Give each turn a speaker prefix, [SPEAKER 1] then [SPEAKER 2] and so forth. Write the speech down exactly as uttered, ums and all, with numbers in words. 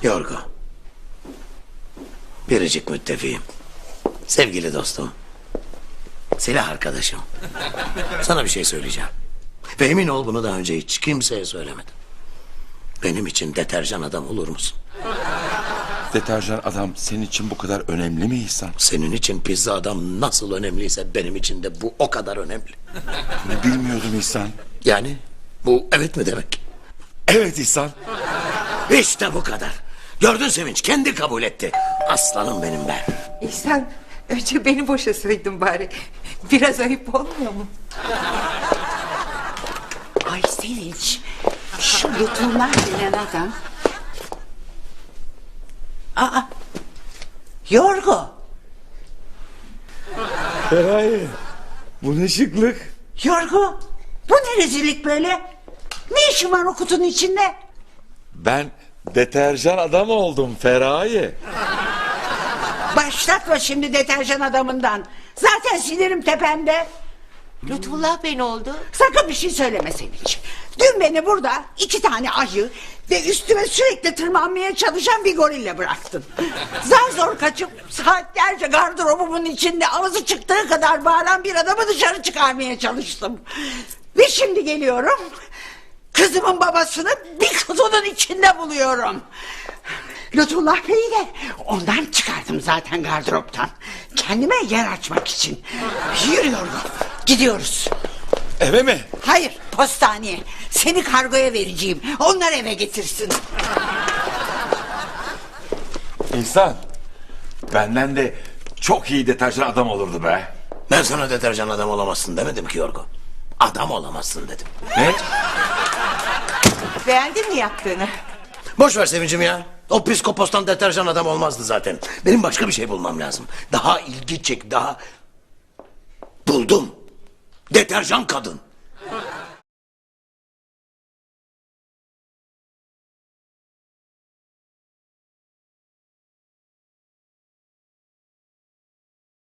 [SPEAKER 1] Yorgo. Biricik müttefiğim. Sevgili dostum. Silah arkadaşım. Sana bir şey söyleyeceğim. Ve emin ol bunu daha önce hiç kimseye söylemedim. Benim için deterjan adam olur musun?
[SPEAKER 2] Deterjan adam senin için bu kadar önemli mi İhsan?
[SPEAKER 1] Senin için pizza adam nasıl önemliyse benim için de bu o kadar önemli.
[SPEAKER 2] Bilmiyordum İhsan.
[SPEAKER 1] Yani bu evet mi demek?
[SPEAKER 2] Evet İhsan.
[SPEAKER 1] İşte bu kadar. Gördün Sevinç, kendi kabul etti. Aslanım benim be.
[SPEAKER 3] İhsan önce beni boşasaydın bari. Biraz ayıp olmuyor mu?
[SPEAKER 4] Ay Sevinç, şu Lütfunlar denen adam... Aa, Yorgo.
[SPEAKER 2] Feraye, bu ne şıklık.
[SPEAKER 4] Yorgo, bu ne rezillik böyle? Ne işin var o kutunun içinde?
[SPEAKER 2] Ben deterjan adam oldum Feraye.
[SPEAKER 4] Başlatma şimdi deterjan adamından. Zaten sinirim tepemde.
[SPEAKER 3] Lütfullah Bey ne oldu?
[SPEAKER 4] Sakın bir şey söyleme Sevinç. Dün beni burada iki tane ayı ve üstüme sürekli tırmanmaya çalışan bir gorille bıraktın. Zar zor kaçıp saatlerce gardırobumun içinde ağzı çıktığı kadar bağıran bir adamı dışarı çıkarmaya çalıştım. Ve şimdi geliyorum, kızımın babasını bir kutunun içinde buluyorum. Lütfullah Bey'i de ondan çıkardım zaten gardıroptan. Kendime yer açmak için. Yürüyorum, gidiyoruz.
[SPEAKER 2] Eve mi?
[SPEAKER 4] Hayır, postaneye. Seni kargoya vereceğim. Onlar eve getirsin.
[SPEAKER 2] İhsan, benden de çok iyi deterjan adam olurdu be.
[SPEAKER 1] Ben sana deterjan adam olamazsın demedim ki Yorgo. Adam olamazsın dedim.
[SPEAKER 2] Ne?
[SPEAKER 3] Beğendin mi yaptığını?
[SPEAKER 1] Boş ver Sevincim ya. O psikopostan deterjan adam olmazdı zaten. Benim başka bir şey bulmam lazım. Daha ilgi çek, daha... Buldum. Deterjan kadın.